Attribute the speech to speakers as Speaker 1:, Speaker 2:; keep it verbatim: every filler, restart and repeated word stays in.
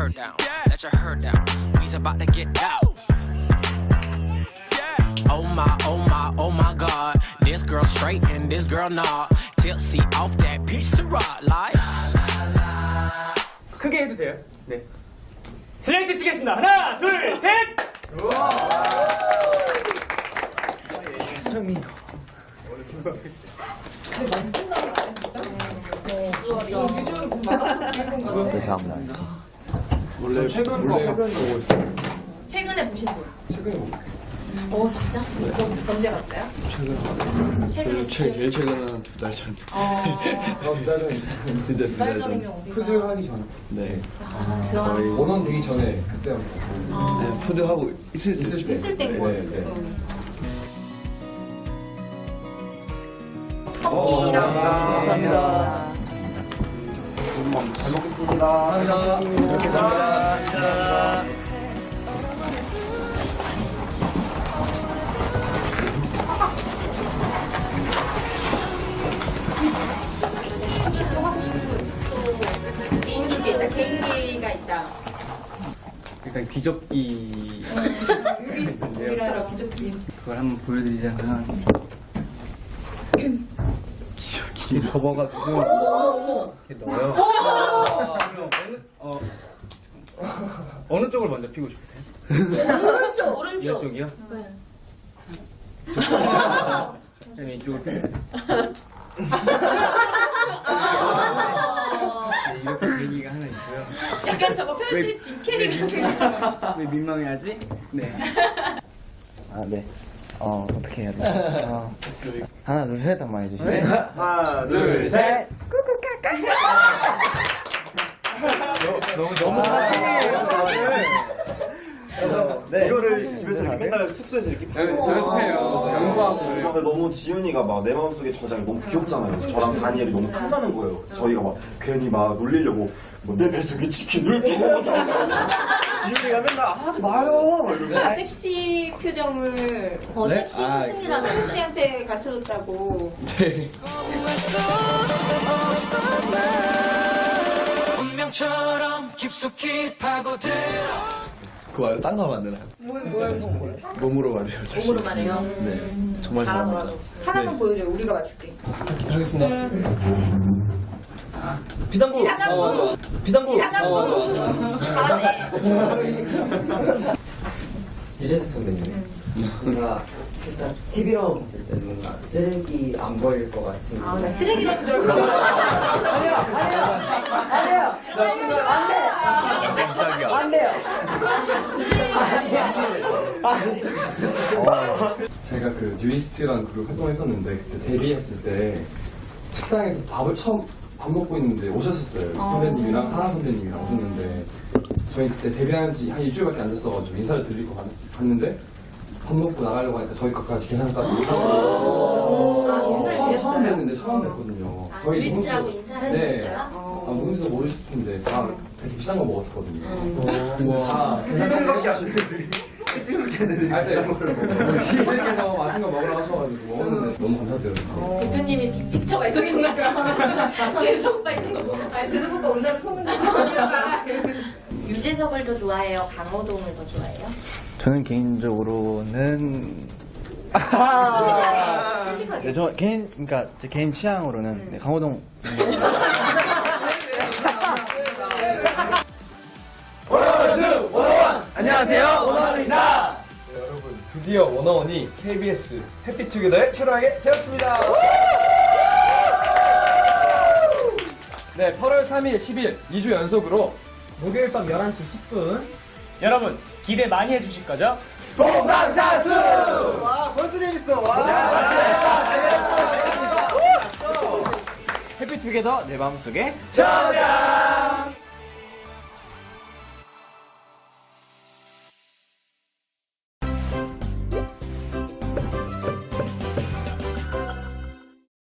Speaker 1: her down. Let your hair down. We's about to get out. Oh my, oh my, oh my God. This girl straight and this girl not. Tipsy off that piece of rock like.
Speaker 2: 크게 해도 돼요? 네. 슬레이트 치겠습니다. 하나, 둘, 셋! 성이
Speaker 3: 원래 최근 거 보고 있어요.
Speaker 4: 최근에 보신 분?
Speaker 3: 최근에 보고.
Speaker 4: 어 진짜? 그럼 언제 갔어요?
Speaker 3: 최근.
Speaker 4: 최근에
Speaker 3: 제일, 제일 최근은 한 두 달 전.
Speaker 4: 어...
Speaker 3: 두 달 전. 진짜 두 달
Speaker 4: 두 달 전이면
Speaker 3: 전.
Speaker 4: 우리가
Speaker 5: 푸드 하기 전에.
Speaker 3: 네.
Speaker 4: 아, 들어가는 거
Speaker 5: 원원 되기 전에 그때
Speaker 4: 아,
Speaker 3: 네, 푸드 하고 있을 때.
Speaker 5: 있을 때.
Speaker 4: 있을 때인
Speaker 5: 네,
Speaker 4: 거
Speaker 5: 네.
Speaker 4: 같은데
Speaker 5: 어,
Speaker 4: 커피랑
Speaker 5: 감사합니다.
Speaker 3: 잘 먹겠습니다.
Speaker 5: 감사합니다. 잘 먹겠습니다.
Speaker 4: 혹시 또 하고 싶은 또 개인기가 있다 개인기가 있다
Speaker 6: 일단 귀접기
Speaker 4: 우리가 그럼 기적기
Speaker 6: 그걸 한번 보여드리자면 귀접기 접어가지고 이렇게 넣어요. 어, 어느 쪽을 먼저 피고 싶으세요?
Speaker 4: 오른쪽
Speaker 6: 이
Speaker 4: 오른쪽
Speaker 6: 쪽이요?
Speaker 4: 네.
Speaker 6: 그럼 이쪽을 피고 네, 이렇게 분위기가 하나 있고요.
Speaker 4: 약간 저거 편지 짐캐리 같은
Speaker 6: 왜 민망해하지? 네.
Speaker 7: 아, 네. 어, 어떻게 해야 되지? 어, 하나, 둘, 셋 한번 해주시죠.
Speaker 6: 네.
Speaker 5: 하나, 둘, 셋.
Speaker 6: 너무 너무
Speaker 7: 네.
Speaker 8: 이거를 집에서 이렇게 맨날 숙소에서 이렇게
Speaker 6: 연습해요. 연구하고.
Speaker 8: 근데 너무 지윤이가 막 내 마음속에 저장이 너무 귀엽잖아요. 그래서 저랑 다니엘이 너무 탐나는 거예요. 그래서 저희가 막 괜히 막 놀리려고 뭐 내 뱃속에 치킨을 줘 줘. 지윤이가 맨날 하지 마요. 막 이러면서.
Speaker 4: 섹시 표정을 어,
Speaker 7: 네?
Speaker 4: 섹시
Speaker 7: 아,
Speaker 4: 스승이라는 혹시한테 가르쳐줬다고
Speaker 3: 네.
Speaker 1: 운명처럼 깊숙이 파고들어.
Speaker 3: 그거 말고 딴 거 만드나요?
Speaker 4: 뭘, 뭘, 뭘
Speaker 3: 몸으로 말해요. 자신
Speaker 4: 몸으로만 해요?
Speaker 3: 네. 정말
Speaker 4: 잘하더라도 하나만 보여줘요 우리가 맞출게
Speaker 3: 하겠습니다.
Speaker 8: 비상구.
Speaker 4: 비상구
Speaker 8: 비상구.
Speaker 4: 비상구 잘하네
Speaker 5: 유재석 선배님. 뭔가 일단 티비로 봤을 때 뭔가 쓰레기 안 보일 것 같은.
Speaker 4: 아, 나 쓰레기라는 줄 알고 아니야 아니야 아니야
Speaker 3: 깜짝이야.
Speaker 5: 제가 그 뉴이스트라는 그룹 활동했었는데 그때 데뷔했을 때 식당에서 밥을 처음 밥 먹고 있는데 오셨었어요. 선배님이랑 하나 선배님이랑 오셨는데 저희 그때 데뷔한 지 한 일주일밖에 안 됐어가지고 인사를 드리고 갔, 갔는데 밥 먹고 나가려고 하니까 저희 것까지 계산까지 인사를 처음, 처음 뵀는데 처음 뵀거든요.
Speaker 4: 아,
Speaker 5: 저희
Speaker 4: 뉴이스트라고
Speaker 5: 누군지-
Speaker 4: 인사를
Speaker 5: 네.
Speaker 4: 했어요?
Speaker 5: 아, 누군지도 모르실 텐데 다 되게 비싼 거 먹었었거든요.
Speaker 4: 음.
Speaker 5: 근데 다 계산밖에 하시는데 하여튼 시댁에서 맛있는 거 먹으러 가셔가지고 먹었는데 너무 감사드렸어요.
Speaker 4: 대표님이 빅픽처가 있었구나 재석 오빠 있는 거 아니 재석 오빠 온다는 소문 유재석을 더 좋아해요? 강호동을 더 좋아해요?
Speaker 7: 저는 개인적으로는.
Speaker 4: 솔직하게 솔직하게
Speaker 7: 네, 저 개인, 그러니까 제 개인 취향으로는 네, 강호동.
Speaker 2: 안녕하세요. 원원입니다.
Speaker 8: 네, 여러분 드디어 원어원이 케이비에스 해피투게더에 출연하게 되었습니다.
Speaker 5: 네, 팔월 삼일, 십일 이 주 연속으로
Speaker 2: 목요일 밤 열한 시 십 분. 여러분 기대 많이 해주실 거죠?
Speaker 8: 봉방사수. 와 벌써 재밌어. 와.
Speaker 7: 해피투게더 내 마음속에.
Speaker 2: 저장.